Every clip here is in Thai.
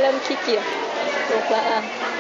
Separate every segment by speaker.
Speaker 1: ริ่มขี้เกียจลุกแล้วอ่ะ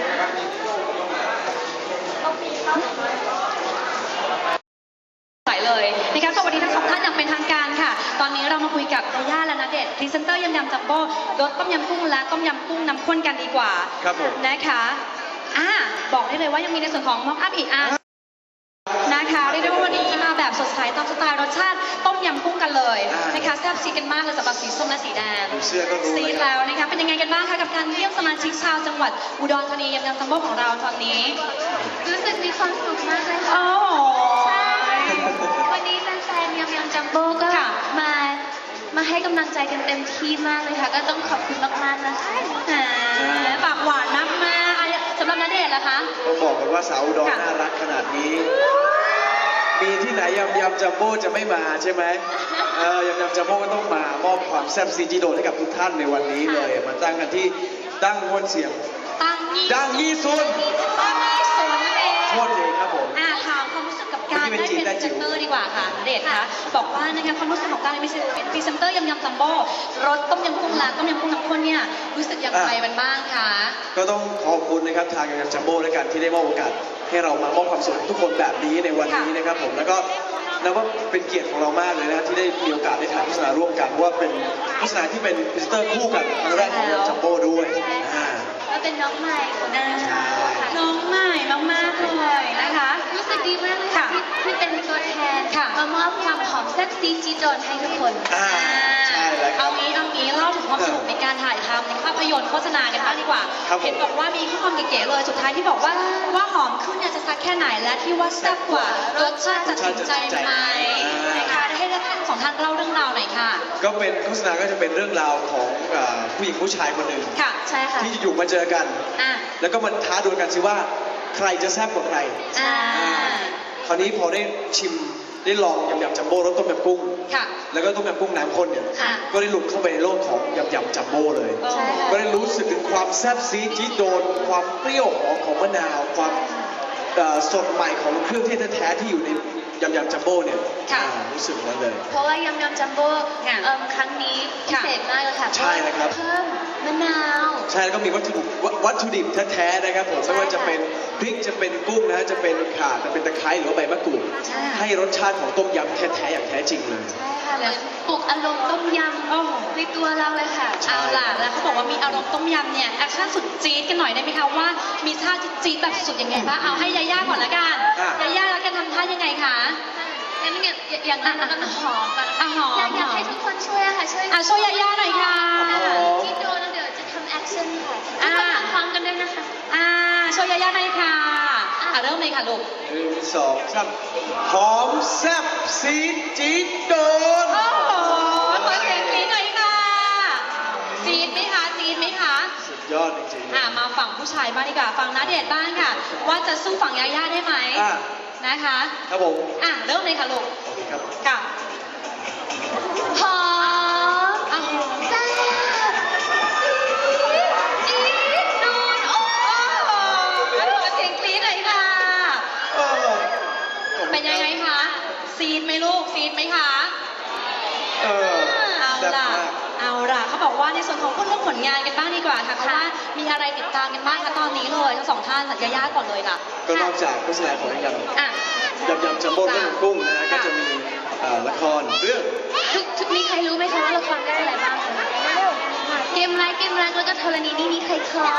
Speaker 2: ใส่เลยนะคะสวัสดีทั้งสองท่านอย่างเป็นทางการค่ะตอนนี้เรามาคุยกับยาย่าและณเดชน์พรีเซนเตอร์ยำจัมโบ้รสต้มยำกุ้งและต้มยำกุ้งน้ำข้นกันดีกว่า
Speaker 3: ครับผม
Speaker 2: นะคะบอกได้เลยว่ายังมีในส่วนของม็อกอัพอีกนะคะเรียกได้ว่าวันนี้มาแบบสดใสตามสไตล์รสชาติต้มยำกุ้งตอนเลยนะคะแซ่บซีกันมากเลยสำหรับสีส้มและสีแดง
Speaker 3: เสื้อก็รู้
Speaker 2: ซีแล้วนะคะเป็นยังไงกันบ้างคะกับการเยี่ยมสมาชิกชาวจังหวัดอุดรธานียำจัมโบ้ของเราตอนนี้
Speaker 4: รู้สึกมีความสุขมากเลยค่ะ
Speaker 2: โอ้
Speaker 4: ใช่วันนี้แฟนๆยำจัมโบ้ก็มาให้กำลังใจกันเต็มที่มากเลยค่ะก็ต้องขอบคุณมากๆนะคะ
Speaker 2: ปากหวานมากมากสำหรับณเดชน์ล่ะคะ
Speaker 3: ต้องบอกกันว่าสาวอุดรน่ารักขนาดนี้มีที่ไหนยำจัมโบ้จะไม่มาใช่ไหมยำจัมโบ้ก็ต้องมามอบความแซ่บซีจีโดให้กับทุกท่านในวันนี้เลยมาตั้งกันที่ตั้งมวลเสียงดังยี่ซุน
Speaker 2: นั่นเอง
Speaker 3: โทษเลยครับผม
Speaker 2: ถามความรู้สึกกับการได้เป็นพรีเซนเตอร์ดีกว่าค่ะณเดชน์คะบอกว่านะคะความรู้สึกของการเป็นพรีเซนเตอร์ยำจัมโบ้รสต้มยำกุ้งและต้มยำกุ้งน้ำข้นเนี่ยรู้สึกอย่างไรบ้างคะ
Speaker 3: ก็ต้องขอบคุณนะครับทางยำจัมโบ้และกันที่ได้มอบโอกาสให้เรามามอบความสุขทุกคนแบบนี้ในวันนี้นะครับผมแล้วก็นับว่าเป็นเกียรติของเรามากเลยนะที่ได้มีโอกาสได้ถ่ายโฆษณาร่วมกันเพราะว่าเป็นโฆษณาที่เป็นพรีเซนเตอร์คู่กันครั้งแรกของจัมโบ้ด้วย
Speaker 4: ก็เป็นน้องใหม่ของเรา
Speaker 2: น้องใหม่มากๆเลยนะคะ
Speaker 4: รู้สึกดีมากเลยค่ะที่เป็นตัวแทนมามอบความหอมแซ่บซีจีโดนให้ทุกคน
Speaker 3: ใช่แล้ว
Speaker 2: เอางี้เล่าถึงความสนุกในการถ่ายทำในภาพยนตร์โฆษณากันบ้างดีกว่าเห็นบอกว่ามีข้อความเก๋ๆเลยสุดท้ายที่บอกว่าหอมขึ้นเนี่ยจะซักแค่ไหนและที่ว่าแซ่บกว่ารสชาติจะถึงใจไหมนะคะให้ท่านสองท่านเล่าเรื่องราวหน่อยค่ะ
Speaker 3: ก็เป็นโฆษณาก็จะเป็นเรื่องราวของผู้หญิงผู้ชายคนหนึ่ง
Speaker 2: ค่ะใช่ค่ะ
Speaker 3: ที่อยู่มาเจอกันแล้วก็มันท้าดวลกันสิว่าใครจะแซ่บกว่าใครคราวนี้พอได้ชิมได้ลองยำจัมโบ้รสต้มยำกุ้งแล้วก็ต้มยำกุ้งน้ำข้นเนี่ยก็ได้หลุดเข้าไปในโลกของยำจัมโบ้เลยก็ได้รู้สึกถึงความแซ่บซีดจี๊ดโดนความเปรี้ยวหอมของมะนาวความสดใหม่ของเครื่องเทศแท้ๆที่อยู่ในยำจัมโบ้เนี่ยรู้สึกนั้นเลย
Speaker 4: เพราะว่ายำจัมโบ้ครั้งนี้พิเศษมากเลยค่ะ
Speaker 3: ใช่ครับ
Speaker 4: เพิ่มมะนาว
Speaker 3: ใช่แล้วก็มีวัตถุดิบแท้ๆนะครับผมไม่ว่าจะเป็นพริกจะเป็นกุ้งนะจะเป็นข่าจะเป็นตะไคร้หรือว่าใบมะกรูดให้รสชาติของต้มยำแท้ๆอย่างแท้จริงเลย
Speaker 4: ใช่ค่ะเหมือนปลุกอารมณ์ต้มยำในตัวเราเลยค่ะ
Speaker 2: เอาล่ะแล้วเขาบอกว่ามีอารมณ์ต้มยำเนี่ยแอคชั่นสุดจี๊ดกันหน่อยได้ไหมคะว่ามีท่าจี๊ดแบบสุดยังไงบ้างเอาให้ยาย่าก่อนละกันยาย่าแล้วกันทำท่ายังไงคะ
Speaker 4: งั้นอย่างนั้นก็หอม
Speaker 2: หอม
Speaker 4: อยากให้ทุกคนช่วยค่ะ
Speaker 2: ช่วยยาย่าหน่อยค่ะ
Speaker 4: ที่โดนเดี๋ยวจะทำแอคชั่นค่ะทุกคนทำพร้อมกันด้วยนะคะ
Speaker 2: ช่วยยาย่าหน่อยค่ะเริ่มเลยค่ะลูก
Speaker 3: 1 2 3หอมแซ่บซีดจี๊ดโดน
Speaker 2: โอ้โหขอเสียงกรี๊ดหน่อยค่ะจี๊ดไหมคะ
Speaker 3: สุดยอดจริง
Speaker 2: ๆมาฝั่งผู้ชายบ้างดีกว่าฝั่งณเดชน์บ้างค่ะว่าจะสู้ฝั่งยาย่าได้ไหมนะคะ
Speaker 3: ครับผม
Speaker 2: เริ่มเลยค่ะลูก
Speaker 3: โอเคครับ
Speaker 2: ค่ะ
Speaker 4: หอมแซ่บจี๊ดโดนโอ้
Speaker 2: ขอเสียงกรี๊ดหน่อยค่ะเป็นยังไงคะซีดไหมลูกซีดไหมคะเอาล่ะเขาบอกว่าในส่วนของพูดเรื่องผลงานกันบ้างดีกว่าค่ะเพราะว่ามีอะไรติดตามกันบ้างคะตอนนี้เลยทั้งสองท่านสัญญาก่อนเลยล่ะ
Speaker 3: ก็นอกจากโฆษณาของยำจัมโบ้ต้มยำกุ้งนะก็จะมีละครเรื่อง
Speaker 4: มีใครรู้ไหมคะว่าละครเรื่องอะไรบ้างคะเกมรักแล้วก็ธรณีนี่ใครคอ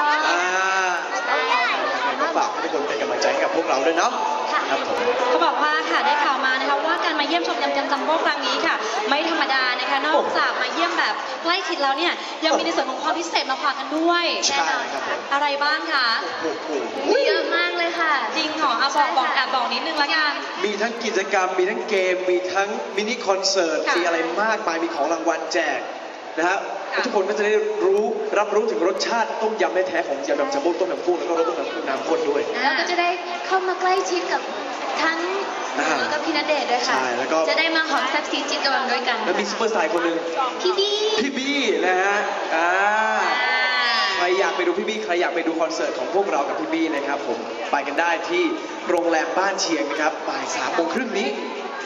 Speaker 3: ก็ฝากให้ทุกคนเป็นกำลังใจให้กับพวกเราด้วยเนาะครับผม
Speaker 2: เขาบอกว่าค่ะได้ข่าวมานะคะว่าการมาเยี่ยมชมยำจัมโบ้ครั้งนี้ค่ะไม่ธรรมดานะคะนอกจากมาเยี่ยมแบบใกล้ชิดแล้วเนี่ยยังมีในส่วนของความพิเศษมาฝากกันด้วย
Speaker 3: ใช่ครับ
Speaker 2: อะไรบ้างคะ
Speaker 4: เยอะมากเลยค่ะ
Speaker 2: จริงเหรอบอกนิดนึงละกัน
Speaker 3: มีทั้งกิจกรรมมีทั้งเกมมีทั้งมินิคอนเสิร์ตมีอะไรมากมายมีของรางวัลแจกนะฮะทุกคนก็จะได้รับรู้ถึงรสชาติต้มยำแท้ๆของยำจัมโบ้ต้มยำกุ้งแล้วก็รสต้มยำกุ้งน้ำข้นด้วย
Speaker 4: แล้วก็จะได้เข้ามาใกล้ชิดกับทั้งแล้วก็พี่ณเดชน์ด้วยค่ะจะได้มาหอมแซ่บซีจิ๊ดกันด้วยกัน
Speaker 3: แล้วมีซุปเปอร์สตาร์คนหนึ่ง
Speaker 4: พี่
Speaker 3: บี้นะฮะใครอยากไปดูพี่บี้ใครอยากไปดูคอนเสิร์ตของพวกเรากับพี่บี้นะครับผมไปกันได้ที่โรงแรมบ้านเชียงนะครับบ่าย 3 โมงครึ่งนี้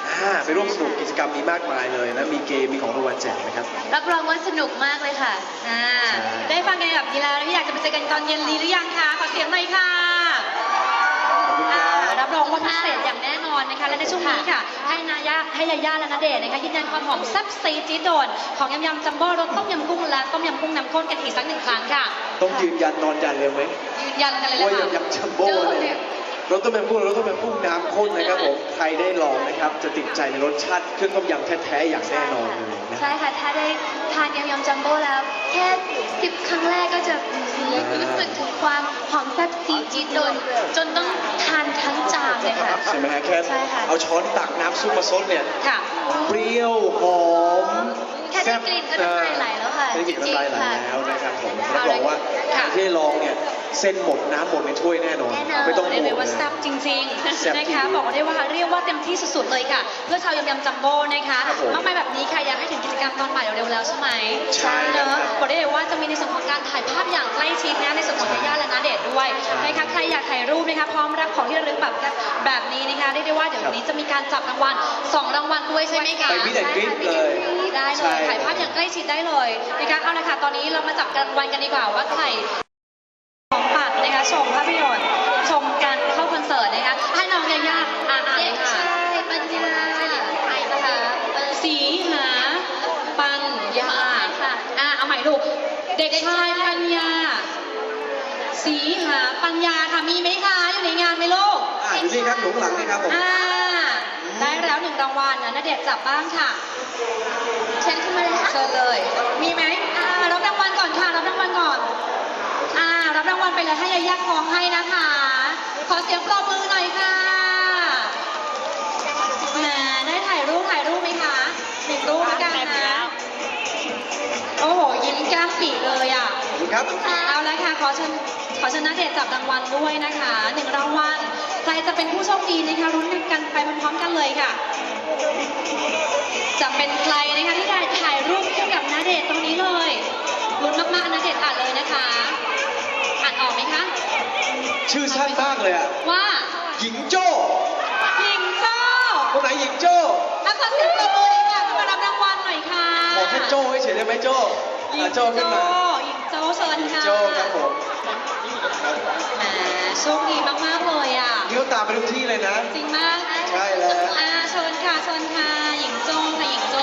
Speaker 3: ไปร่วมสนุกกิจกรรมนี้มากมายเลยนะมีเกมมีของรางวัลแจกนะครับ
Speaker 4: รับรองว่าสนุกมากเลยค่ะ
Speaker 2: อ่าได้ฟังกันแบบนี้แล้วอยากจะไปเจอกันตอนเย็นดีหรือยังคะขอเสียงหน่อยค่ะ
Speaker 3: ขอบคุณครับ
Speaker 2: รับรองว่าพิเศษอย่างแน่นอนนะคะและในช่วงนี้ค่ะให้ยาย่าและณเดชน์นะคะยืนยันความหอมแซ่บซีดจี๊ดโดนของยำจัมโบ้รสต้มยำกุ้งและต้มยำกุ้งน้ำข้นกันอีกสัก1 ครั้งค่ะ
Speaker 3: ต้องยืนยันนอนยันเลยไหม
Speaker 2: ยืนยันกันเลย
Speaker 3: ว่า
Speaker 2: ค่ะ
Speaker 3: ยำจัมโบ้เนี่ยรสต้มยำกุ้งรสต้มยำกุ้งน้ำข้นนะครับผมใครได้ลองนะครับจะติดใจในรสชาติเครื่องต้มยำแท้ๆอย่างแน่นอนเลยนะ
Speaker 4: ใช่ค่ะ ถ้าได้ทานยำจัมโบ้แล้ว แค่10 ครั้งแรกก็จะรู้สึกถึงความหอมแซ่บซีดจี๊ดโดนจนต้องทานทั้งจานเลยค่ะ
Speaker 3: ใช่ไหมฮะแค่
Speaker 4: ใช่ค่ะ
Speaker 3: เอาช้อนตักน้ำซุปมาซดเนี่ย
Speaker 2: ค่ะ
Speaker 3: เปรี้ยวหอม
Speaker 4: แค่ได้กลิ่นก็น้ำลายไหลแล้วค่ะ
Speaker 3: ได้กลิ่นน้ำลายไหล
Speaker 4: จริงๆค่ะ
Speaker 3: แล้วนะครับผม
Speaker 2: เอา
Speaker 3: รับ
Speaker 2: เล
Speaker 3: ร
Speaker 2: ย
Speaker 3: องว่า
Speaker 2: ค่ะ
Speaker 3: ที่ได้ลองเนี่ยเส้นหมดน้ำหมดในถ้วยแน่นอน
Speaker 4: แน่นอน
Speaker 3: ไม่ต้อง
Speaker 2: ได้
Speaker 3: ห่
Speaker 2: เล
Speaker 3: วย ง
Speaker 2: ว่า
Speaker 3: นะ
Speaker 2: แซ่บจริง
Speaker 3: แซ่บ
Speaker 2: ๆ
Speaker 3: จริ
Speaker 2: นะ
Speaker 3: ง
Speaker 2: คะบอกได้ว่าเรียกว่าเต็มที่สุดๆเลยค่ะ เพื่อชาวยำจัมโบ้นะคะ
Speaker 3: ครับผม
Speaker 2: มากมายแบบนี้ค่ะอยากให้ถึงกิจกรรมตอนบ่ายเร็วๆแล้วใช่ไหม
Speaker 3: ใช่ครับ
Speaker 2: เนอะบอกได้เลยว่าจะมีในส่วนของการถ่ายภาพอย่างใกล้ชิดนะในส่วนของยาย่าและณเดชน์ด้วยนะคะใครอยากถ่ายรูปนะคะพร้อมรับของที่ระลึกแบบนี้นะคะเรียกได้ว่าเดี๋ยววันนี้จะมีการจับรางวัล2 รางวัลด้วยใช่ไหมคะ
Speaker 3: ไปมิดแอนด์กรี๊ดเลย
Speaker 2: ได้เล
Speaker 3: ใช่
Speaker 2: ยถ่ายภาพอย่างใกล้ชิดได้เลยนะคะเอาละค่ะตอนนี้เรามาจับรางวัลกันดีกว่าว่าใครของปัดนะคะชมภาพยนตร์ชมการเข้าคอนเสิร์ตนะคะให้น้องยาย่าอ่านเลยค่ะ
Speaker 4: ปัญญาไทยนะคะ
Speaker 2: สีหาปัญญา
Speaker 4: ค่ะ
Speaker 2: เอาใหม่ลูกเด็กชายปัญญา สีหาปัญญาค่ะมีไหมคะอยู่ในงานไหมลูก
Speaker 3: อยู่นี่ครับอยู่ข้างหลังนี่ครับผม
Speaker 2: ได้แล้ว1 รางวัลนะณเดชน์จับบ้างค่ะ
Speaker 4: เชิญขึ้นมาเลยค่ะ
Speaker 2: เชิญเลย มีไหมรับรางวัลก่อนค่ะรับรางวัลก่อนรับรางวัลไปเลยให้ยาย่าคล้องให้นะคะ ขอเสียงปรบมือหน่อยค่ะแหมได้ถ่ายรูปไหมคะ1 รูปด้วยกันนะโอ้โหยิ้มแก้มปีเลยอ่ะ
Speaker 3: ขอบคุณครับ
Speaker 2: เอาละค่ะขอเชิญณเดชน์จับรางวัลด้วยนะคะ1 รางวัลใครจะเป็นผู้โชคดีนะคะรุ้นกันไปพร้อมๆกันเลยค่ะ จะเป็นใครนะคะที่ได้ถ่ายรูปคู่กับณเดชน์ตรงนี้เลยลุ้นมากๆณเดชน์อ่านเลยนะคะอ่านออกไหมคะ
Speaker 3: ชื่อสั้นมากเลยอ่ะ
Speaker 2: ว่า
Speaker 3: หญิงโจ้
Speaker 2: หญิงโจ้
Speaker 3: คนไหนหญิงโจ้
Speaker 2: ขอเสียงปรบมืออีกค่ะมารับรางวัลหน่อยค่ะ
Speaker 3: ขอแค่โจ้เฉยๆได้ไหมโจ้
Speaker 2: หญิง
Speaker 3: โจ้ขึ้นมา
Speaker 2: หญิงโจ้เชิญ
Speaker 3: หญิง
Speaker 2: ค่ะ
Speaker 3: โจ้ครับผมครับ
Speaker 2: แหมโชคดีมากๆเลยอ่ะ
Speaker 3: นี่เขาตามไปทุกที่เลยนะ
Speaker 2: จริงมาก
Speaker 3: ใช่แล้ว
Speaker 2: เชิญค่ะหญิงโจ้ค่ะหญิงโจ้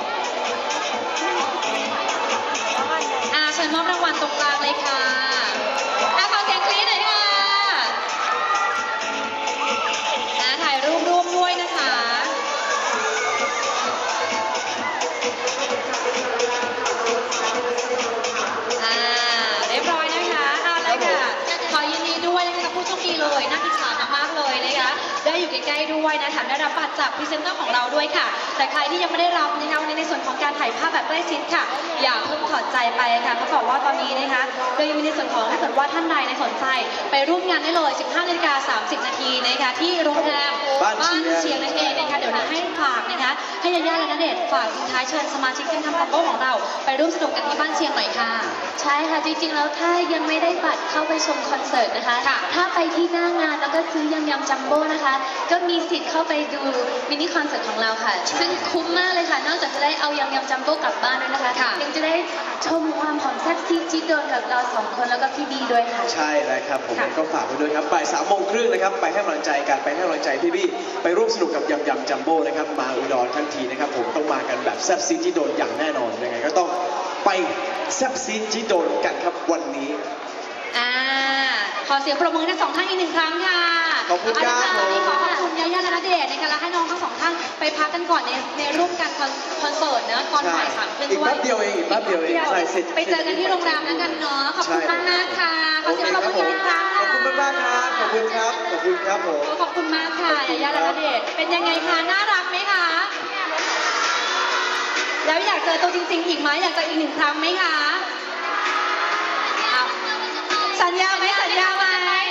Speaker 2: เชิญมอบรางวัลตรงกลางเลยค่ะขอเสียงกรี๊ดหน่อยค่ะถ่ายรูปร่วมด้วยนะคะเรียบร้อยนะคะเอาเลยค่ะขอยินดีด้วยนะคะกับผู้โชคดีเลยน่าอิจฉามากๆเลยนะคะได้อยู่ใกล้ๆด้วยนะแถมได้รับบัตรจากพรีเซนเตอร์ของเราด้วยค่ะ แต่ใครที่ยังไม่ได้รับนะคะวันนี้ในส่วนของการถ่ายภาพแบบใกล้ชิดค่ะ อย่าเพิ่งถอดใจไปค่ะเพราะบอกว่าตอนนี้นะคะโดยมีในส่วนของถ้าเกิดว่าท่านใดในสนใจไปร่วมงานได้เลย 15:30 นาทีนะคะที่โรงแรม
Speaker 3: บ้านเชียง
Speaker 2: นั่นเองนะคะเดี๋ยวนะให้ฝากนะคะให้ยาย่าและณเดชน์ฝากทิ้งท้ายเชิญสมาชิกทีมทำตับโบ้ของเรา ไปร่วมสนุกกันที่บ้านเชียงหน่อยค่ะ
Speaker 4: ใช่ค่ะ จริงๆ แล้วถ้ายังไม่ได้บัตรเข้าไปชมคอนเสิร์ตนะคะ
Speaker 2: ค่ะ
Speaker 4: ถ้าไปที่หน้างานแล้วก็ซื้อยำจัมโบ้นะคะ ก็มีสิทธิ์เข้าไปดูมินิคอนเสิร์ตของเราค่ะ ซึ่งคุ้มมากเลยค่ะ นอกจากจะได้เอายำจัมโบ้กลับบ้านด้วยนะคะ
Speaker 2: ค่ะ
Speaker 4: ยังจะได้ชมความหอมแซ่บซีดจี๊ดโดนกับเรา2 คนแล้วก็พี่บีด้วยค่ะ
Speaker 3: ใช่แล้วครับผม
Speaker 2: ค่ะ
Speaker 3: ก็ฝากไว้ด้วยครับบ่าย3:30นะครับไปให้กำลังใจกันไปให้กำลังใจพี่บี้ไปร่วมสนุกกับยำจัมโบ้นะครับมาอุดรทั้งทีนะครับผมต้องมากันแบบแซ่บซีดที่โดนอย่างแน่นอนยังไงก็ต้องไปแซ่บซีดที่โดนกันครับวันนี้
Speaker 2: ขอเสียงปรบมือทั้ง2 ท่านอีก1 ครั้งค่ะ
Speaker 3: ขอบคุณครับ
Speaker 2: เอาละค่ะวันนี้ขอขอบคุณยาย่าและณเดชน์นะคะและให้น้องทั้ง2 ท่านไปพักกันก่อนในร่วมกันคอนเสิร์ตนะตอนบ่าย3 ครึ่ง
Speaker 3: อีก
Speaker 2: ด้วย
Speaker 3: แป๊บเดียวเองอีกแป๊บเดียวเองใช่เสร็จ
Speaker 2: ไปเจอกันที่โรงแรมแล้วกันเนาะขอบคุณมากๆค่ะขอเสียงปรบมืออีกครั้ง
Speaker 3: ขอบคุณมากๆครับขอบคุณครับขอบคุณครับผม
Speaker 2: ขอบคุณมากค่ะยาย่าและณเดชน์เป็นยังไงคะน่ารักไหมคะแล้วอยากเจอตัวจริงๆอีกไหมอยากเจออีก1 ครั้งไหมคะสัญญาไหม